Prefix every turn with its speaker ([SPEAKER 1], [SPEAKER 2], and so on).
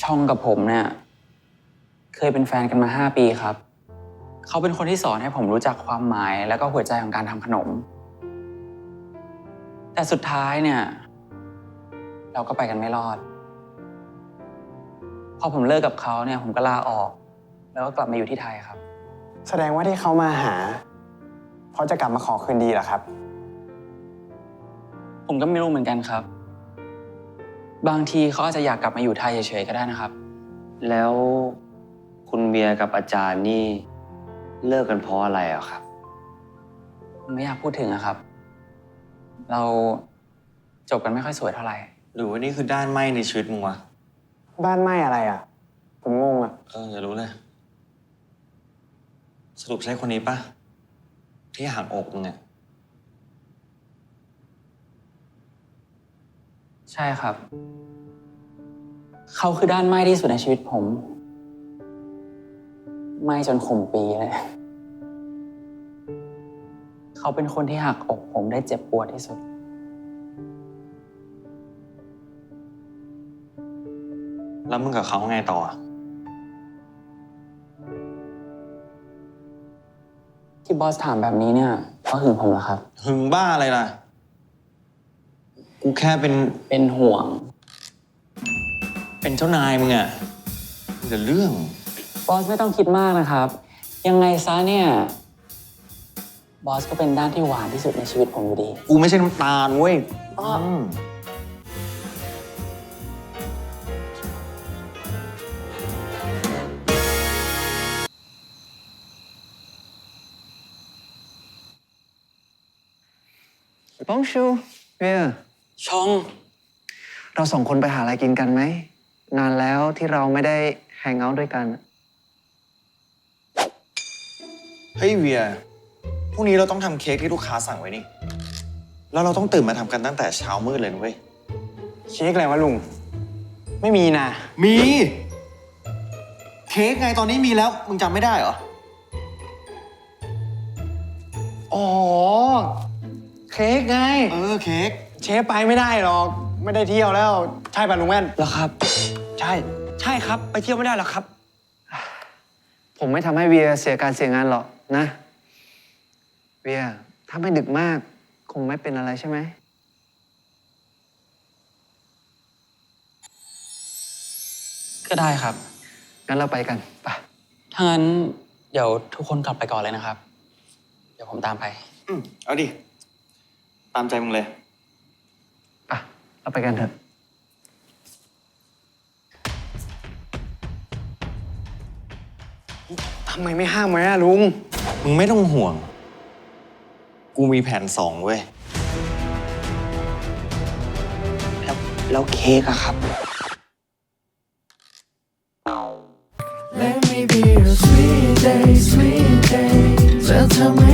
[SPEAKER 1] องกับผมเนี่ยเคยเป็นแฟนกันมา5 ปีครับเขาเป็นคนที่สอนให้ผมรู้จักความหมายแล้วก็หัวใจของการทำขนมแต่สุดท้ายเนี่ยเราก็ไปกันไม่รอดพอผมเลิกกับเขาเนี่ยผมก็ลาออกแล้วก็กลับมาอยู่ที่ไทยครับ
[SPEAKER 2] แสดงว่าที่เขามาหาเพราะจะกลับมาขอคืนดีเหรอครับ
[SPEAKER 1] ผมก็ไม่รู้เหมือนกันครับบางทีเขาอาจจะอยากกลับมาอยู่ไทยเฉยๆก็ได้นะครับ
[SPEAKER 3] แล้วคุณเบียร์กับอาจารย์นี่เลิกกันเพราะอะไรอะครับ
[SPEAKER 1] ผมไม่อยากพูดถึงอะครับเราจบกันไม่ค่อยสวยเท่าไหร่
[SPEAKER 4] หรือว่านี่คือด้านไหม้ในชีวิตมึงวะ
[SPEAKER 2] บ้านไหม้อะไรอ่ะผมงงอ่ะ
[SPEAKER 4] อย่ารู้เลยสรุปใช่คนนี้ปะที่หักอกมึงอะ
[SPEAKER 1] ใช่ครับเขาคือด้านไหม้ที่สุดในชีวิตผมไหม้จนข่มปีเลยเขาเป็นคนที่หักอกผมได้เจ็บปวดที่สุด
[SPEAKER 4] แล้วมึงกับเขาไงต่อ
[SPEAKER 1] ที่บอสถามแบบนี้เนี่ยเพราะหึงผมเหรอครับ
[SPEAKER 4] หึงบ้าอะไรล่ะกูแค่
[SPEAKER 1] เป็นห่วง
[SPEAKER 4] เป็นเจ้านายมึงอะมีแต่เรื่อง
[SPEAKER 1] บอสไม่ต้องคิดมากนะครับยังไงซะเนี่ยบอสก็เป็นด้านที่หวานที่สุดในชีวิตผมอยู่ดี
[SPEAKER 4] กูไม่ใช่น้ำตาลเว้ย
[SPEAKER 2] บองชูเบียร์
[SPEAKER 1] ชอง
[SPEAKER 2] เราสองคนไปหาอะไรกินกันไหมนานแล้วที่เราไม่ได้แฮงเอาท์ด้วยกัน
[SPEAKER 4] เฮ้ยเวียพรุ่งนี้เราต้องทำเค้กที่ลูกค้าสั่งไว้นี่แล้วเราต้องตื่นมาทำกันตั้งแต่เช้ามืดเลยนะเว้ย
[SPEAKER 2] เค้กอะไรวะลุงไม่มีนะ
[SPEAKER 4] มีเค้กไงตอนนี้มีแล้วมึงจำไม่ได้เหรอ
[SPEAKER 2] อ๋อเค้กไง
[SPEAKER 4] เค้ก
[SPEAKER 2] เชฟไปไม่ได้หรอกไม่ได้เที่ยวแล้วใช่ป่ะลุงแว่น
[SPEAKER 1] เหรอครับ
[SPEAKER 2] ใช่ครับไปเที่ยวไม่ได้หรอกครับผมไม่ทำให้เวียเสียการเสียงานหรอกนะเวียถ้าไม่ดึกมากคงไม่เป็นอะไรใช่ไหม
[SPEAKER 1] ก็ได้ครับ
[SPEAKER 2] งั้นเราไปกันไป
[SPEAKER 1] ถ้างั้นเดี๋ยวทุกคนกลับไปก่อนเลยนะครับเดี๋ยวผมตามไป
[SPEAKER 4] เอาดิตามใจมึงเลย
[SPEAKER 2] อ่ะเราไปกันเถอะทำไมไม่ห้ามไว้อะลุง
[SPEAKER 4] มึงไม่ต้องห่วงกูมีแผน2เว้ย
[SPEAKER 2] แล้วเค้กอะครับ
[SPEAKER 5] Let me be a sweet day, sweet day. จะทำให้